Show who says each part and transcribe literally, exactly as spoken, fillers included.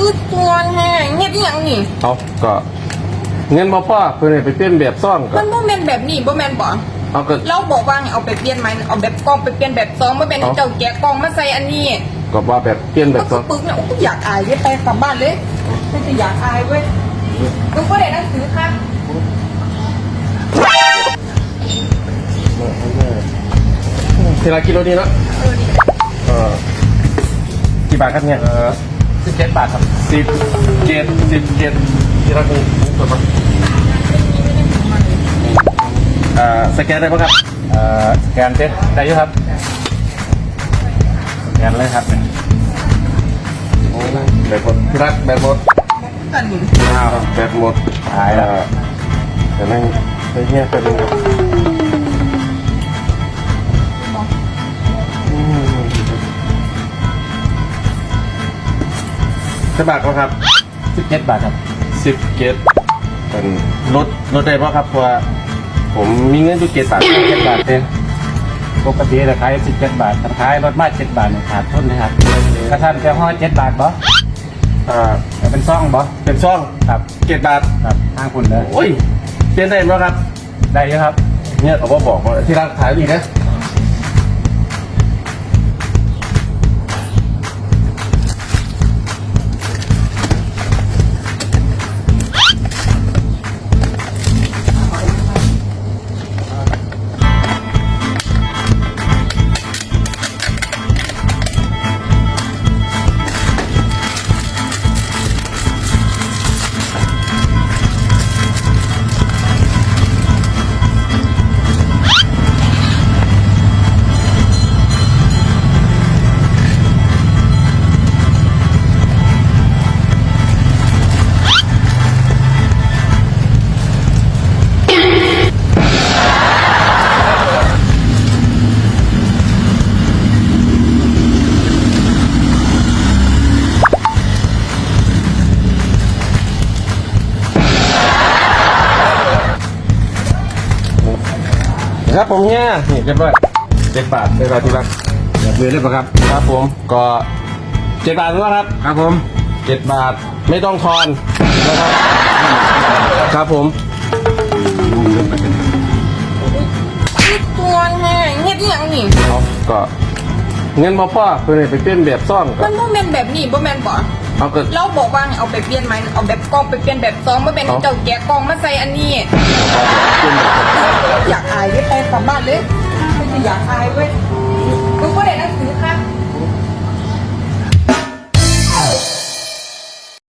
Speaker 1: คือตัวแห้งเฮ็ดอีหยังนี่
Speaker 2: เอาก็เงินบ่พอเพิ่นให้ไปเปลี่ยนแบบซ่องก็
Speaker 1: มันบ่แม่นแบบนี้บ่แม่นบ่
Speaker 2: เอาก็
Speaker 1: เราบอกว่าให้เอาไปเปลี่ยนไหมเอาแบบกล้องไปเปลี่ยนแบบซองบ่แม่นให้เจ้าแกะกล้องมาใส่อันนี้
Speaker 2: ก็ว่าแบบเปลี่ยนแบ
Speaker 1: ก็
Speaker 2: บ
Speaker 1: คื
Speaker 2: ซ่อ
Speaker 1: อง ปึกเนี่ยโอ้ยอยากอายเว้ยไปกลับบ้านเลยไม่จะอยากอายเว้ยมึงบ่ได้หนังสือครับ
Speaker 2: ทีละกิโลนี้เนาะ
Speaker 1: เออนี่
Speaker 2: เออกี่บาทครับเนี่ย
Speaker 3: เออสิบเจ็ดบาทครับ
Speaker 2: สิบเจ็ดสิบเจ็ดทีละนี้ถูกปะอ่าสแกนได้ปะครับ
Speaker 3: เอ่อสแกนเซ็ตได้อยุครับสแกนเลยครับ
Speaker 2: โอ้แบบหมดที่รักแบบหมด
Speaker 1: กันนี่
Speaker 2: อ้าวแบบหมด
Speaker 3: หายแล้ว
Speaker 2: เอ่อแต่นั่งไปเงียบไปดูอืมจะบาทก็ครับ
Speaker 3: สิบเจ็ดบาทครับ
Speaker 2: สิบเกตเป็นลดลดได้ป่ะครับเพราะว่าผมมีเงินอยู่เกตบาท
Speaker 3: สิบเจ็ดบาทเองปกติราคาสิบเจ็ดบาทถ้าขายรถมาเจ็ดบาทเนี่ยขาดทุนนะครับกระทันจะห่อเจ็ดบาทบ่
Speaker 2: อ่า
Speaker 3: แต่เป็นซ่องบ่
Speaker 2: เป็นช่อง
Speaker 3: ครับ
Speaker 2: เกตบาท
Speaker 3: ครับห้างคุณเลย
Speaker 2: โอ้ยเปลี่ยนได้ไหมครับ
Speaker 3: ได้อยุครับ
Speaker 2: เนี่ยเขาบอกบอกว่าที่ร้านขายดีนะครับผมเนี่ยนี่เรียบร้อยเจ็ดบาทเรียบร้อยที่รัก
Speaker 3: เดี๋ยวมือเลยป่ะครับ
Speaker 2: ครับผมก็เจ็ดบาทแล้วครับ
Speaker 3: ครับผม
Speaker 2: เจ็ดบาทไม่ต้องทอนนะครับครับผม
Speaker 1: คือตัวแห้งเฮ็ดอีหยังนี่
Speaker 2: เอาก็เงินบ่พอเพิ่นให้ไปเปลี่ยนแบบซ่องก็
Speaker 1: มันบ่แม่นแบบนี้บ่แม่นบ่
Speaker 2: เอาก็
Speaker 1: เราบอกว่าให้เอาไปเปลี่ยนไหมเอาแบบกล้องไปเปลี่ยนแบบซองบ่แม่นให้เจ้าแกะกล้องมาใส่อันนี้
Speaker 2: เปลี่ยนแบบ
Speaker 1: อยากอายเว้ยไปกลับบ้านเลยไม่จะอยากอายเว้ยมึงบ่ได้